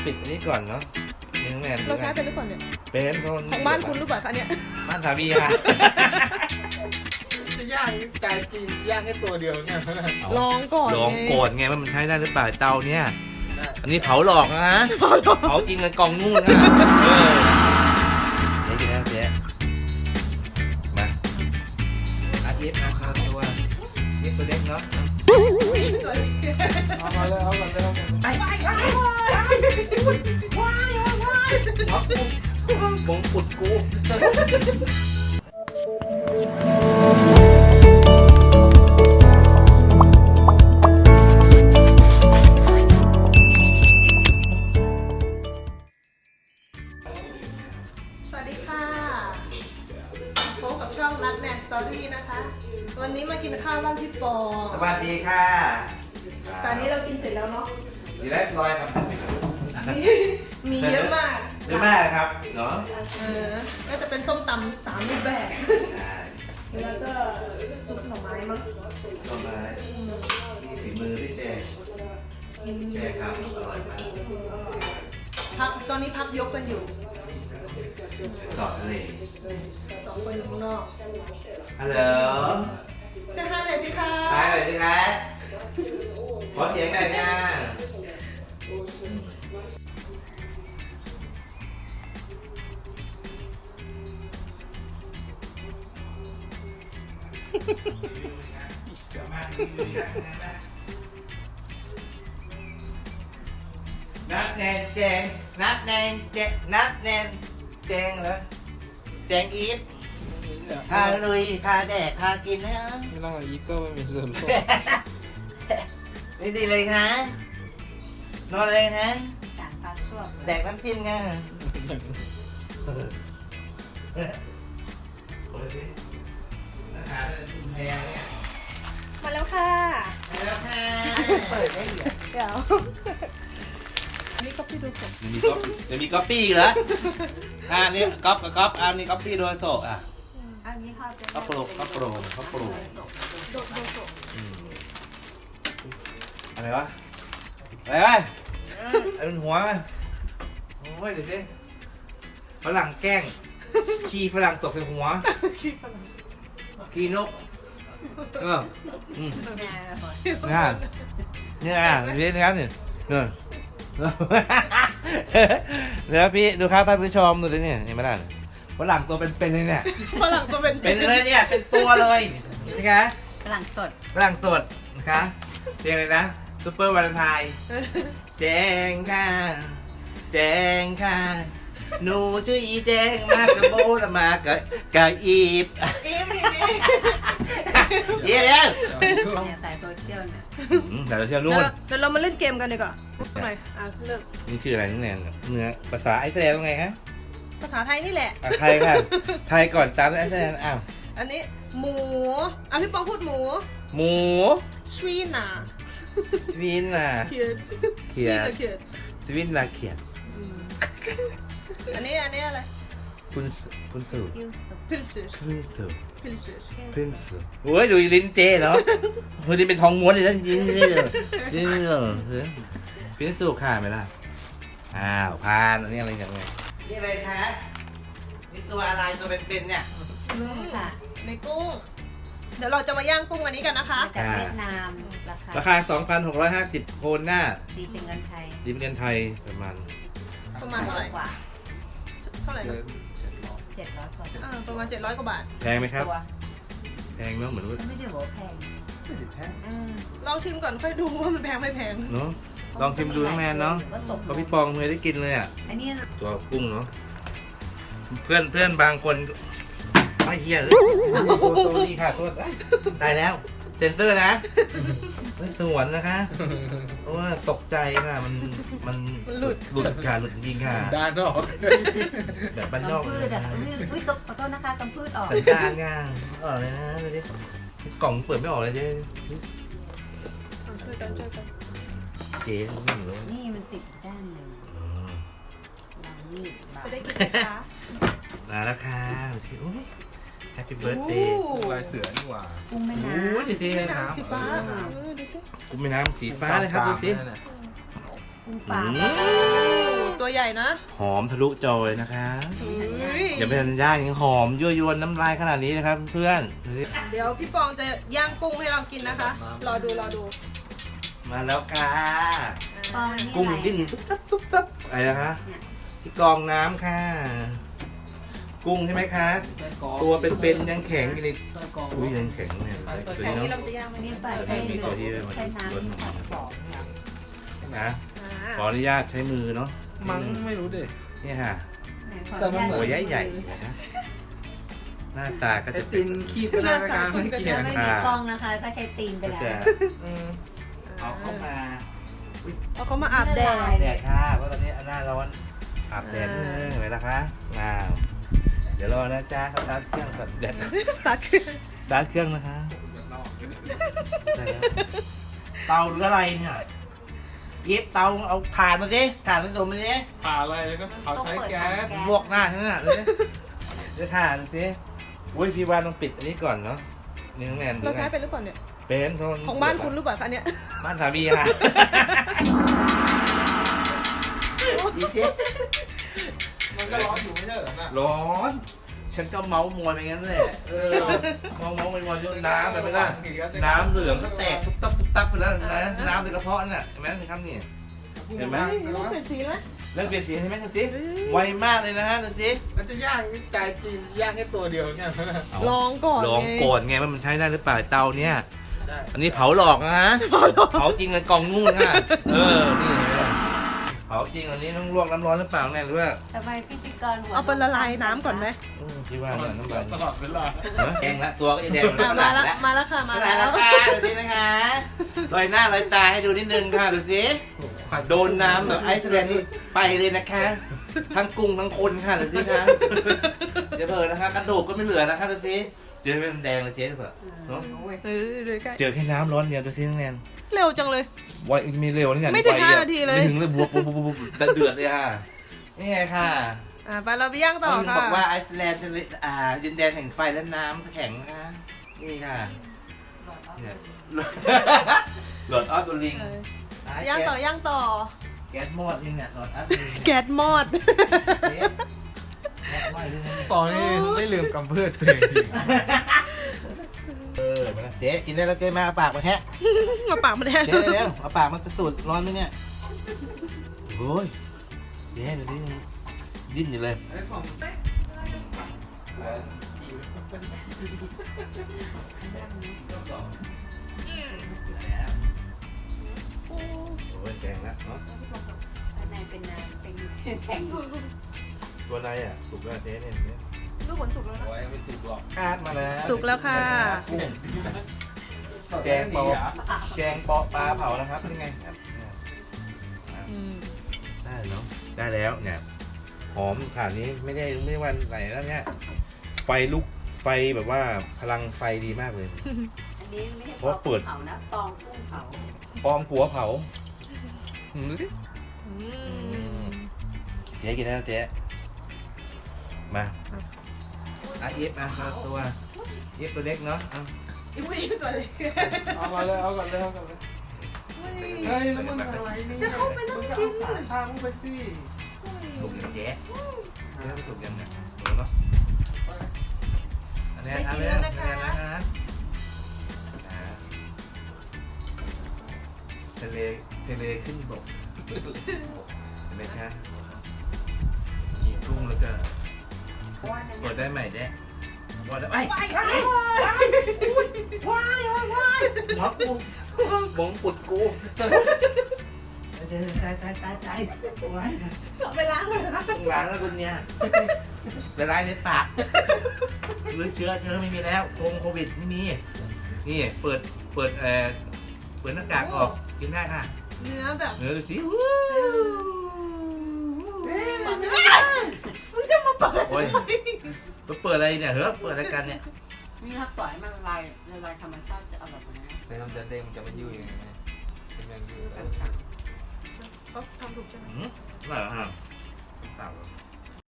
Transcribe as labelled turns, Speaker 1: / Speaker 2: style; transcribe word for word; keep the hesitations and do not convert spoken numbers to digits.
Speaker 1: ปิดอันนี้ก่อนเนาะเนื้อแมน
Speaker 2: เราใช้เป็นหรือเปล่าเนี่ย
Speaker 1: เป็นคน
Speaker 2: ของบ้านคุณหรือเปล่าคะเนี่ย
Speaker 1: บ้านสามีค่ะ
Speaker 3: จะย่างใจจริงย่างแค่ตัวเดียวเนี่ย
Speaker 2: ลองก่อน
Speaker 1: ลองโกรธไงว่ามันใช้ได้หรือเปล่าเตาเนี่ย
Speaker 3: ได้
Speaker 1: อันนี้เผาหลอกนะฮะเผาจริงกันกองนู่นค่ะเออเจ๊กินแล้วเจ๊มาอาทิตย์เอาข้าวตัวนี่ตัวเล็กเนาะ
Speaker 3: เอามาเลยเอามาเลยเอามาเลย
Speaker 1: ไปไปไปว้ายว้ายว้ายมงกุฎกู
Speaker 2: สวัสดีค่ะพบกับช่องนัดแนนสตอรี่นะคะวันนี้มากินข้าวบ้านพี่ปอ
Speaker 1: สวัสดีค่ะ
Speaker 2: ตอนนี้เรากินเสร็จแล้วเนาะ
Speaker 1: ดีแล้วลอยครับ
Speaker 2: มีเยอะมาก
Speaker 1: เยอะมากครับเนาะ
Speaker 2: เออก็จะเป็นส้มตำสามรูปแบบ
Speaker 1: ใช่
Speaker 2: แล้วก็ซุปหน่อไม้มั้ง
Speaker 1: ต้นไม้ฝีมือพี่เจเจครับอร่อยมาก
Speaker 2: พักตอนนี้พักยกกันอยู่
Speaker 1: ต่อทะเล
Speaker 2: สองคนอยู่ข้างนอก
Speaker 1: ฮัลโหล
Speaker 2: เสียงฮายหน่อยสิคะ
Speaker 1: ทายหน่อยสิครับขอเสียงหน่อยนะนัดแนนแจงนัดแนนแจงนัดแนนแจงเหรอแจงอีฟพาลุยพาแดกพากินนะ
Speaker 3: ไม่ต้องเอาอีเกิลไม่มีส่วนร่วม
Speaker 1: นี่ดีเลยนะนอนเลยนะ
Speaker 4: จานปลาส้วม
Speaker 1: แดกน้ำจิ้มไงอาหารแพงเนี่ย
Speaker 2: มาแล้วค่ะ
Speaker 1: แล้วค่ะเปิดได้เหรอ
Speaker 2: เดี๋ยวอันนี้ก็พี่ดูสด
Speaker 1: มันมีก๊อปมันมีก๊อปปี้อีกเหรออ่านี่ก๊อปกับก๊อปอ่านี่ก๊อปปี้โดยโซอ่ะ
Speaker 4: อันนี้เขาจะ
Speaker 1: ก๊อปโปรก๊อปโปรก๊อปโปร
Speaker 2: โดดโดดโดด
Speaker 1: อืมอะไรวะอะไรวะไอ้เป็นหัวมั้ยโอ้ยเดี๋ยวสิฝรั่งแกล้งขี้ฝรั่งตกใส่หัว
Speaker 2: ขี้ฝรั่ง
Speaker 1: ขี้นกเอออืม
Speaker 4: แน่เลย
Speaker 1: นี่นี่อ่ะนี่นะครับนี่เออเดี๋ยวพี่ดูครับท่านผู้ชมดูสิเนี่ยเห็นไหมล่ะฝรั่งตัวเป็นๆเลยเนี่ย
Speaker 2: ฝรั่งก็เป็น
Speaker 1: เป็นเลยเนี่ยเป็นตัวเลยนี่สิคะ
Speaker 4: ฝรั่งสด
Speaker 1: ฝรั่งสดนะคะเพลงอะไรนะซูเปอร์วาเลนไทน์แจงค่ะแจงค่ะหนูชื่ออีแจงมากกับโบละมากับกับอีฟ
Speaker 2: อีฟนี่
Speaker 1: เยี่ยม
Speaker 4: เนี่ยสายโซเชียลเนี่ย
Speaker 1: แต่เราเชื่อ
Speaker 2: เดี๋
Speaker 1: นู่
Speaker 2: ยวน เดี๋ยวเรามาเล่นเกมกันดีกว่าหน่อยอ่ะเริ่ม
Speaker 1: นี่คืออะไรนี่แนนเนื้อภาษาไอซ์แลนด์ว่าไงฮะ
Speaker 2: ภาษาไทยนี่แหละ
Speaker 1: อ่ะไทยค่ะไทยก่อนตามด้วยไอซ์แลนด์อ้าว
Speaker 2: อันนี้หมูอ่ะพี่ปองพูดหมู
Speaker 1: หมู
Speaker 2: สวีน่ า
Speaker 1: สวินน่ะ
Speaker 2: เขียด
Speaker 1: เขียด
Speaker 2: เขียด
Speaker 1: สวินลาเขียด
Speaker 2: อันนี้อันนี้อะไร
Speaker 1: คุณคุณสู่
Speaker 4: ยิ้มสุด
Speaker 2: พิลซิส
Speaker 1: คุณสู่
Speaker 2: พิลซิส
Speaker 1: คุณสู่โอ้ยดูลิ้นเจเหรอเฮ้ยนี่เป็นทองม้วนเลยนะจริงๆเลยจริงๆเหรอพินสู่ค่ะไหมล่ะอ้าวพานอันนี้อะไรกันไงนี่อะไรคะนี่ตัวอะไรตัวเป็นๆเนี่ย
Speaker 4: นุ่มค่ะ
Speaker 2: ในกุ้ง เดี๋ยวเราจะมาย่างกุ้งอันนี้กันนะคะ
Speaker 4: มาจากเวียดนามราคา
Speaker 1: ราคา สองพันหกร้อยห้าสิบ โคนหน้า
Speaker 4: ดีเป็นเงินไทย
Speaker 1: ดีเป็นเงินไทยประมาณ
Speaker 2: ประมาณเท่าไหร่
Speaker 4: กว่า
Speaker 2: เท่าไหร่นะ
Speaker 4: เจ็ดร้อยกว่า
Speaker 2: อ่าประมาณเจ็ดร้อยกว่าบาท
Speaker 1: แพงไหมครับ
Speaker 4: ตัว
Speaker 1: แพงเนาะเหมือนว่า
Speaker 4: ไม่ได้บอกว่าแพงอืม
Speaker 2: ลองชิมก่อนค่อยดูว่ามันแพงไม่แพง
Speaker 1: เนาะลองชิมดูทั้งแนนเนาะ
Speaker 4: ก็ตก
Speaker 1: เพราะพี่ปองเคยได้กินเลยอ่ะ
Speaker 4: อันนี้
Speaker 1: ตัวกุ้งเนาะเพื่อนเพื่อนบางคนไม่เฮียเลยโซโซนี่ค่ะโทษตายแล้วเซ็นเซอร์นะไม่สวนนะคะเพราะว่าตกใจค่ะมันมัน
Speaker 2: มันหลุด
Speaker 1: หลุดค่ะหลุดจริงๆค่ะ
Speaker 3: ด้านนอก
Speaker 1: แบบบ้านนอก
Speaker 4: กำพืชอ่ะอุ้ยขอโทษนะคะกำพืชออก
Speaker 1: สัญญาณง่างออกเลยนะดูสิกล่องเปิดไม่ออกเลยเจ๊
Speaker 2: ช่วยกันช่วยกัน
Speaker 1: เจ๊ไม่รู้
Speaker 4: นี่มันติดด้านหนึ่ง
Speaker 1: อืม
Speaker 4: ลองนี่บา
Speaker 2: จะได้กินไหมคะ
Speaker 1: มาแล้วค่ะดูสิโอ้ยแฮปปี้เบิร์ดเดย์
Speaker 2: โอ้
Speaker 3: ลายเสือนี่หว่า
Speaker 4: กุ้งแม่
Speaker 1: โอ้
Speaker 4: น้
Speaker 1: ยดูสิ
Speaker 2: น้ำสีฟ้าเออดูสิ
Speaker 1: กุ้งแม่น้ำสีฟ้าเลยครับดูสิ
Speaker 4: ำกุ้ง
Speaker 1: อื
Speaker 4: ฝาม
Speaker 1: ม
Speaker 2: ใหญ่นะ
Speaker 1: หอมทะลุจอเลยนะคะ
Speaker 2: อุ้ย
Speaker 1: อย่าไปทันย่างยังหอมยั่วยวนน้ำลายขนาดนี้นะครับเพื่อนดูสิ
Speaker 2: เดี๋ยวพี่ปองจะย่างกุ้งให้เรากินนะคะ รอดูรอดู
Speaker 1: มาแล้วค่ะ
Speaker 4: ปองอันนี้
Speaker 1: กุ้ง
Speaker 4: อะไร
Speaker 1: ดิ้นตุ๊บตับตุ๊บตับอะไรนะคะ ที่กรองน้ำค่ะ กุ้งใช่ไหมคะ
Speaker 3: ไส้กรอก
Speaker 1: ตัวเป็นๆยังแข็งอยู่ใน
Speaker 3: ไส้กรอก
Speaker 1: อุ้ยยังแข็งเนี่ยตัว
Speaker 2: แต่
Speaker 1: นี้
Speaker 2: นี่เรา
Speaker 1: เนาะ
Speaker 2: จะย่างไหม
Speaker 4: อันนี้
Speaker 2: เนี่ย
Speaker 4: ใส่
Speaker 1: แต่
Speaker 4: ให้
Speaker 1: นี่มีตัวที่มัน
Speaker 4: ใช้น้ำ
Speaker 1: ล้น
Speaker 4: นิดหน่อย
Speaker 3: กรอกเนี่ย
Speaker 1: นะ
Speaker 2: อ่า
Speaker 1: ขออนุญาตใช้มือเนาะ
Speaker 3: มั้งไม่รู้ดิ
Speaker 1: นี่ค่ะ
Speaker 3: แต่มันเหมือน
Speaker 1: หัวใหญ่ใหญ่ๆนะหน้าตาก็
Speaker 3: ไอ
Speaker 1: จะ
Speaker 3: ตินคีบก็ได้นะคะไม่เกี่ย
Speaker 4: ถ้าว ไม่มีกล้องนะคะ ก็ใช้ตีนไป
Speaker 1: ก็
Speaker 4: แล้ว
Speaker 1: จะ
Speaker 3: อืม
Speaker 1: เอาเข้ามา
Speaker 2: เอาเขามาอาบแดด
Speaker 1: อาบแดดค่ะเพราะตอนนี้หน้าร้อนอาบแดดนิดนึงเห็นไหมล่ะคะว้าวเดี๋ยวรอนะจ๊ะสตาร์ทเครื่องก่อนแดด
Speaker 2: สตาร์ทคือ
Speaker 1: สตาร์ทเครื่องนะคะได้แล้วเตาหรืออะไรเนี่ยยิบเตาเอาถ่านมาสิถ่านผสมมาสิ
Speaker 3: ผ่าอะไรก็เขาใช้แก๊ส
Speaker 1: ลวกหน้าฉันน่ะเลยเดี๋ยวถ่านสิอุ้ยพี่ว่าต้องปิดอันนี้ก่อนเนาะนี่น้องแนนดู
Speaker 2: เราใช้
Speaker 1: ไง
Speaker 2: เป็นหรือเปล่าเนี่ย
Speaker 1: เป็นโทษ
Speaker 2: ของบ้านคุณหรือเปล่าคะเนี่ย
Speaker 1: บ้านสามีค่ะอีเจ๊
Speaker 3: มันก็ร้อนอยู่ไม่ใช่เหรอน่ะ
Speaker 1: ร้อน ฉันก็เมาส์มอยไปงั้นแหละเออเมาส์เมาส์มอยมอยจนน้ำไปไม่ได้น้ำเหลืองก็แตกตุ๊บตับตุ๊บตับไปแล้วนะน้ำในกระเพาะน่ะเห็นไหมครับนี่ เห็นไหม
Speaker 2: นี่ต้องเปลี่ยนสีไหม
Speaker 1: เริ่มเปลี่ยนสีใช่ไหมดูสิไวมากเลยนะฮะดูสิ
Speaker 3: มันจะย่างนี่ใจจีนย่างแค่ตัวเดียวเนี่ย
Speaker 2: ลองก่อน
Speaker 1: ลอง
Speaker 2: ไง
Speaker 1: โกรธไงว่ามันใช้ได้หรือเปล่าเตาเนี่ย
Speaker 3: ได้
Speaker 1: อันนี้เผาหลอกนะฮะเผาจริงเลยกล่องนู่นค่ะเออนี่เห็นไหมล่ะเผาจริงอันนี้ต้องลวกน้ำร้อนหรือเปล่าแน่หรือว่า
Speaker 4: ทำไมพิธีกรหัว
Speaker 2: เอาไปละลายน้ำก่อนไหม
Speaker 1: อืมพี่ว่าเนี่ยน้ำลาย
Speaker 3: ตลอดเวลา
Speaker 1: แดงละตัวก็จะแดงเหมือน
Speaker 2: อ่ะ
Speaker 1: ฝ
Speaker 2: มา
Speaker 1: รั่ง
Speaker 2: แล้ว
Speaker 1: แล้ว
Speaker 2: มาแล้วค่ะมา
Speaker 1: มา
Speaker 2: แล้
Speaker 1: แล้ว วค่ะดูสินะคะลอยหน้าลอยตาให้ดูนิดนึงค่ะดูสิโดนน้ำแบบไอซ์แลนด์นี่ไปเลยนะคะ ทั้งกุ้งทั้งคนค่ะดูสิคะเดี๋ยวเผลอนะคะกระดูกก็ไม่เหลือนะคะดูสิเจอเป็นแดงเลยเจ๊เถอะเนาะ
Speaker 2: เออดูใกล้
Speaker 1: เจอแค่น้ำร้อนเดียวดูสิน้องแนน
Speaker 2: เร็วจังเลย
Speaker 1: ไวมีเร็วนี่ไง
Speaker 2: ไม่ถึง
Speaker 1: ว
Speaker 2: ห้า
Speaker 1: อะ
Speaker 2: นาทีเลย
Speaker 1: ไม่ถึงเลยบวกบวกบวกบวกแต่เดือดเลยค่ะนี่ไงค่ะ
Speaker 2: อ่าไปเราไปย่างต่อ
Speaker 1: เขา
Speaker 2: ค่ะ
Speaker 1: บอกว่าไอซ์แลนด์ทะเลอ่าดินแดนแห่งไฟและน้ำแข็งนะคะนี่ค่ะเนี่ยหลอดออฟดูลิง
Speaker 2: เออย่างต่อย่างต่อ
Speaker 1: แก๊สมอดนี่เนี่ยหลอดออฟดูลิง
Speaker 2: แก๊สมอด
Speaker 1: แก๊สมอดด้วยนะ
Speaker 3: ปองนี่ไม่ลืมกำพืชตัวเอง
Speaker 1: เออมาแล้วเจ๊กินได้แล้วเจ๊มาเอาปากมาแฮะ
Speaker 2: มาปากมาแทน
Speaker 1: เจ๊เร็วเอาปากมาพิสูจน์ร้อนไหมเนี่ยโอ้ยเจ๊ดูดิดิ้นอยู่เลย
Speaker 3: ไอ้ของ
Speaker 1: โอ้ยแดงแล้วเนาะ
Speaker 4: ข้างในเป็นน้ำเป็นแข็ง
Speaker 1: ตัวในอ่ะสุกแล้วเจ๊เนี่ย
Speaker 2: ลูกผลสุกแล้วนะ
Speaker 3: ไว้ไม่จุกหรอก
Speaker 1: คาดมาแล้ว
Speaker 2: สุกแล้วค่ะ
Speaker 1: กุ้งแกงปอแกงปอปลาเผานะครับนี่ไงครับเนี่ย
Speaker 2: อืม
Speaker 1: ได้แล้วเนอะได้แล้วเนี่ยหอมขนาดนี้ไม่ได้ไม่ได้วันไหนแล้วเนี่ยไฟลุกไฟแบบว่าพลังไฟดีมากเลย
Speaker 4: อันนี้ไม่ใช่
Speaker 1: เพราะเปิด
Speaker 4: เผานะปองกุ้งเผา
Speaker 1: ปองกัวเผาอืมดูสิ
Speaker 2: อืม
Speaker 1: เจ๊กินได้แล้วเจ๊มาอ่ะอีฟมาเอาตัวอีฟตัวเล็กเนาะเอา
Speaker 2: อีผู้หญิงตัวเล็ก
Speaker 3: เอามาเลยเอาก่อนเลยเอาก่อนเลยเฮ้ยแล้วมึงอะไรเนี่ย
Speaker 2: จะเข้าไปนั่งกิน
Speaker 3: มึงก็เอาขาข้างมึงไปสิ
Speaker 1: สุกยังเจ๊เจ๊สุกยังเนี่ยดูเนาะอันนี้อันนี้อันนี้นะฮะอ่าทะเลทะเลขึ้นบกเห็นไหมคะมีกุ้งแล้วก็
Speaker 4: เพราะว่านั่น
Speaker 1: กดได้ใหม่เด้กดได้ไป
Speaker 2: ว้ายว้ายว้ายว้าย
Speaker 1: หมอกูหมองปุดกูตายตายตายตายไว้
Speaker 2: เอาไปล้างเลยนะ
Speaker 1: ต้องล้างแล้วคุณเนี่ยละลายในปากหรือเชื้อเชื้อไม่มีแล้วโคงโควิดไม่มีนี่เปิดเปิดเอ่อเปิดหน้ากากออกกินได้ค่ะ
Speaker 2: เนื้อแบบ
Speaker 1: เนื้อดูสิ
Speaker 2: มึงจะมาเปิด
Speaker 1: โอ้ยเปิดอะไรเนี่ยเฮ้ยเปิดรายการเนี่ย
Speaker 4: นี่ถ้าปล่อยให้มันละลายละลายธรรมชาติจะอร่อยกว่านี้
Speaker 3: แต่มันจะเด้งมันจะไม่ยุ่ยยังไงเป็นแมงยุ่ย
Speaker 4: แข็ง
Speaker 2: เขาทำถูกใช่ไหม
Speaker 1: อืมอร่อยเหรอฮะเต่า